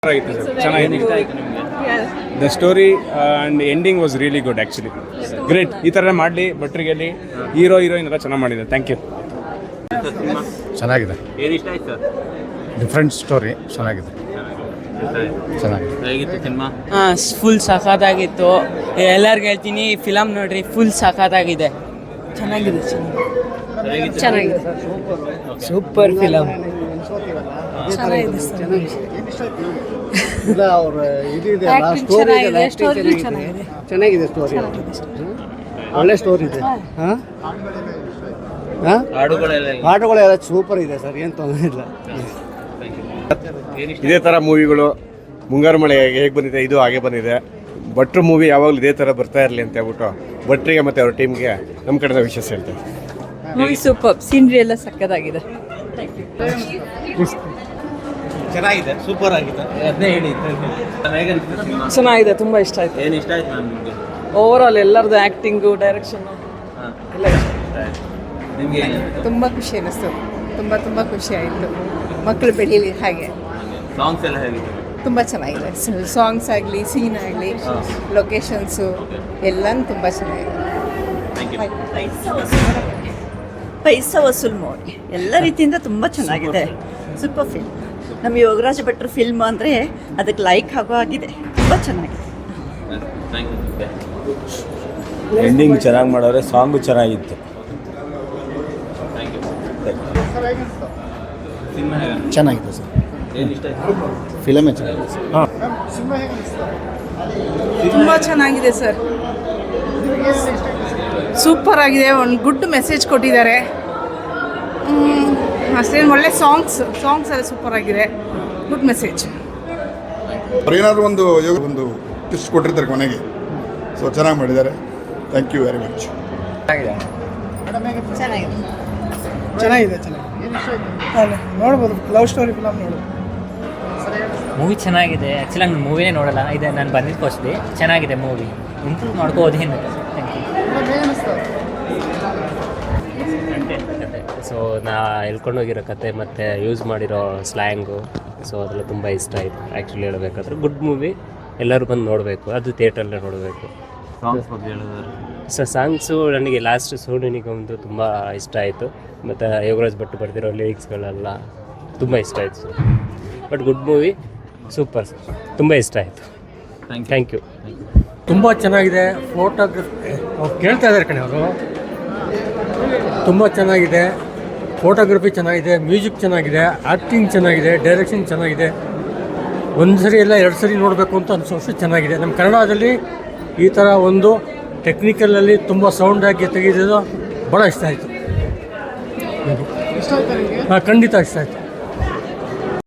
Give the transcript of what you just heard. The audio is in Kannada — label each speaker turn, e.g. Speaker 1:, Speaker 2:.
Speaker 1: The story and ending was really good actually great. ಈ ಥರ ಮಾಡಲಿ ಭಟ್ರಿಗೆಲ್ಲಿ ಹೀರೋ ಹೀರೋಯಿನ್ ಎಲ್ಲ ಚೆನ್ನಾಗಿ ಮಾಡಿದೆ. Thank you.
Speaker 2: ಚೆನ್ನಾಗಿದೆ, ಡಿಫ್ರೆಂಟ್ ಸ್ಟೋರಿ, ಚೆನ್ನಾಗಿದೆ.
Speaker 3: ಫುಲ್ ಸಖತ್ತಾಗಿತ್ತು. ಎಲ್ಲರಿಗೂ ಹೇಳ್ತೀನಿ ಫಿಲಮ್ ನೋಡ್ರಿ, ಫುಲ್ ಸಖತ್ತಾಗಿದೆ. ಚೆನ್ನಾಗಿದೆ ಸೂಪರ್ ಫಿಲಮ್.
Speaker 4: ಚೆನ್ನಾಗಿದೆ ಸ್ಟೋರಿ, ಒಳ್ಳೆ ಸ್ಟೋರಿ ಇದೆ. ಹಾಡುಗಳೆಲ್ಲ ಸೂಪರ್ ಇದೆ ಸರ್, ಏನು ತೊಂದರೆ ಇಲ್ಲ.
Speaker 5: ಇದೇ ಥರ ಮೂವಿಗಳು ಮುಂಗಾರು ಮಳೆ ಹೇಗೆ ಬಂದಿದೆ ಇದು ಹಾಗೆ ಬಂದಿದೆ. ಭಟ್ರು ಮೂವಿ ಯಾವಾಗಲೂ ಇದೇ ಥರ ಬರ್ತಾ ಇರಲಿ ಅಂತ ಹೇಳ್ಬಿಟ್ಟು ಭಟ್ರಿಗೆ ಮತ್ತು ಅವ್ರ ಟೀಮ್ಗೆ ನಮ್ಮ ಕಡೆಯಿಂದ ವಿಶೇಷ ಹೇಳ್ತೇವೆ.
Speaker 6: ಮೂವಿ ಸೂಪರ್, ಸೀನ್ರಿ ಎಲ್ಲ ಸಕ್ಕತ್ತಾಗಿದೆ.
Speaker 7: ಚೆನ್ನಾಗಿದೆ, ಸೂಪರ್ ಆಗಿದೆ. ಅದನ್ನೇ ಹೇಳಿ.
Speaker 3: ಚೆನ್ನಾಗಿದೆ, ತುಂಬ ಇಷ್ಟ ಆಯ್ತು.
Speaker 7: ಏನು ಇಷ್ಟ ಆಯ್ತು ಮ್ಯಾಮ್ ನಿಮಗೆ?
Speaker 3: ಓವರ್ ಆಲ್ ಎಲ್ಲರದ್ದು ಆ್ಯಕ್ಟಿಂಗು, ಡೈರೆಕ್ಷನ್ ಎಲ್ಲ ಇಷ್ಟ ಆಯ್ತು.
Speaker 7: ನಿಮಗೆ
Speaker 6: ತುಂಬ ಖುಷಿ ಅನ್ನಿಸ್ತು, ತುಂಬ ಖುಷಿ ಆಯಿತು. ಮಕ್ಕಳು ಬೆಳೀಲಿ ಹಾಗೆ.
Speaker 7: ಸಾಂಗ್ಸ್ ಎಲ್ಲ ಹೇಗಿದೆ?
Speaker 6: ತುಂಬ ಚೆನ್ನಾಗಿದೆ. ಸಾಂಗ್ಸ್ ಆಗಲಿ, ಸೀನ್ ಆಗಲಿ, ಲೊಕೇಶನ್ಸು ಎಲ್ಲನೂ ತುಂಬ ಚೆನ್ನಾಗಿದೆ.
Speaker 8: ಪೈಸಾ ವಸೂಲ್ ಮೂವಿ ಎಲ್ಲ ರೀತಿಯಿಂದ ತುಂಬ ಚೆನ್ನಾಗಿದೆ. Super film. ನಮ್ಮ ಯೋಗರಾಜ ಭಟ್ರು ಫಿಲ್ಮ್ ಅಂದರೆ ಅದಕ್ಕೆ ಲೈಕ್ ಆಗೋ ಆಗಿದೆ. ತುಂಬ ಚೆನ್ನಾಗಿದೆ.
Speaker 9: ಎಂಡಿಂಗ್ ಚೆನ್ನಾಗಿ ಮಾಡೋರೆ, ಸಾಂಗು ಚೆನ್ನಾಗಿತ್ತು.
Speaker 2: ಚೆನ್ನಾಗಿದೆ ಸರ್,
Speaker 7: ಏನು ಇಷ್ಟ ಆಯ್ತು?
Speaker 2: ಫಿಲಮೇ ಚೆನ್ನಾಗಿದೆ ಸರ್. ಹಾಂ,
Speaker 3: ತುಂಬ ಚೆನ್ನಾಗಿದೆ ಸರ್, ಸೂಪರ್ ಆಗಿದೆ. ಒಂದು ಗುಡ್ ಮೆಸೇಜ್ ಕೊಟ್ಟಿದ್ದಾರೆ. ಅಷ್ಟೇನು ಒಳ್ಳೆ ಸಾಂಗ್ಸ್ ಎಲ್ಲ ಸೂಪರ್ ಆಗಿದೆ. Good message.
Speaker 10: ಏನಾದರೂ ಒಂದು ಟಿಪ್ಸ್ ಕೊಟ್ಟಿರ್ತಾರೆ ಕೊನೆಗೆ, ಸೊ ಚೆನ್ನಾಗಿ ಮಾಡಿದ್ದಾರೆ. Thank you very much.
Speaker 4: ಚೆನ್ನಾಗಿದೆ ನೋಡ್ಬೋದು. ಲವ್ ಸ್ಟೋರಿ ಫಿಲಮ್ ನೋಡ್ಬೋದು.
Speaker 3: ಮೂವಿ ಚೆನ್ನಾಗಿದೆ. ಆ್ಯಕ್ಚುಲಿ ನಾನು ಮೂವಿನೇ ನೋಡಲ್ಲ, ಇದೆ ನಾನು ಬಂದಿದ್ದು ಫಸ್ಟ್ಲಿ. ಚೆನ್ನಾಗಿದೆ ಮೂವಿ, ಇಂಪ್ರೂವ್ ಮಾಡ್ಕೋದೇನು.
Speaker 11: ಸೊ ನಾ ಹೇಳ್ಕೊಂಡೋಗಿರೋ ಕತೆ ಮತ್ತು ಯೂಸ್ ಮಾಡಿರೋ ಸ್ಲ್ಯಾಂಗು, ಸೊ ಅದೆಲ್ಲ ತುಂಬ ಇಷ್ಟ ಆಯಿತು. ಆ್ಯಕ್ಚುಲಿ ಹೇಳಬೇಕಾದ್ರೆ ಗುಡ್ ಮೂವಿ, ಎಲ್ಲರೂ ಬಂದು ನೋಡಬೇಕು. ಅದು ಥಿಯೇಟ್ರಲ್ಲೇ ನೋಡಬೇಕು.
Speaker 7: ಸಾಂಗ್ಸ್ ಬಗ್ಗೆ ಹೇಳಿದ್ರೆ
Speaker 11: ಸೊ ಸಾಂಗ್ಸು ನನಗೆ ಲಾಸ್ಟ್ ಸೋನು ನಿಗಮ್ದು ತುಂಬ ಇಷ್ಟ ಆಯಿತು. ಮತ್ತು ಯೋಗರಾಜ್ ಭಟ್ ಬರ್ದಿರೋ ಲಿರಿಕ್ಸ್ಗಳೆಲ್ಲ ತುಂಬ ಇಷ್ಟ ಆಯಿತು. ಬಟ್ ಗುಡ್ ಮೂವಿ, ಸೂಪರ್, ತುಂಬ ಇಷ್ಟ ಆಯಿತು. Thank you.
Speaker 4: ತುಂಬ ಚೆನ್ನಾಗಿದೆ. ಫೋಟೋಗ್ರಫಿ ಕೇಳ್ತಾ ಇದ್ದಾರೆ ಕಣೆ ಅವರು. ತುಂಬ ಚೆನ್ನಾಗಿದೆ, ಫೋಟೋಗ್ರಫಿ ಚೆನ್ನಾಗಿದೆ, ಮ್ಯೂಸಿಕ್ ಚೆನ್ನಾಗಿದೆ, ಆ್ಯಕ್ಟಿಂಗ್ ಚೆನ್ನಾಗಿದೆ, ಡೈರೆಕ್ಷನ್ ಚೆನ್ನಾಗಿದೆ. ಒಂದು ಸರಿ ಎಲ್ಲ 2 ಸರಿ ನೋಡಬೇಕು ಅಂತ ಅನಿಸೋಷ್ಟು ಚೆನ್ನಾಗಿದೆ. ನಮ್ಮ ಕನ್ನಡದಲ್ಲಿ ಈ ಥರ ಒಂದು ಟೆಕ್ನಿಕಲಲ್ಲಿ ತುಂಬ ಸೌಂಡಾಗಿ ತೆಗೆದಿದ್ದು ಭಾಳ ಇಷ್ಟ ಆಯಿತು. ಹಾಂ, ಖಂಡಿತ ಇಷ್ಟ ಆಯಿತು.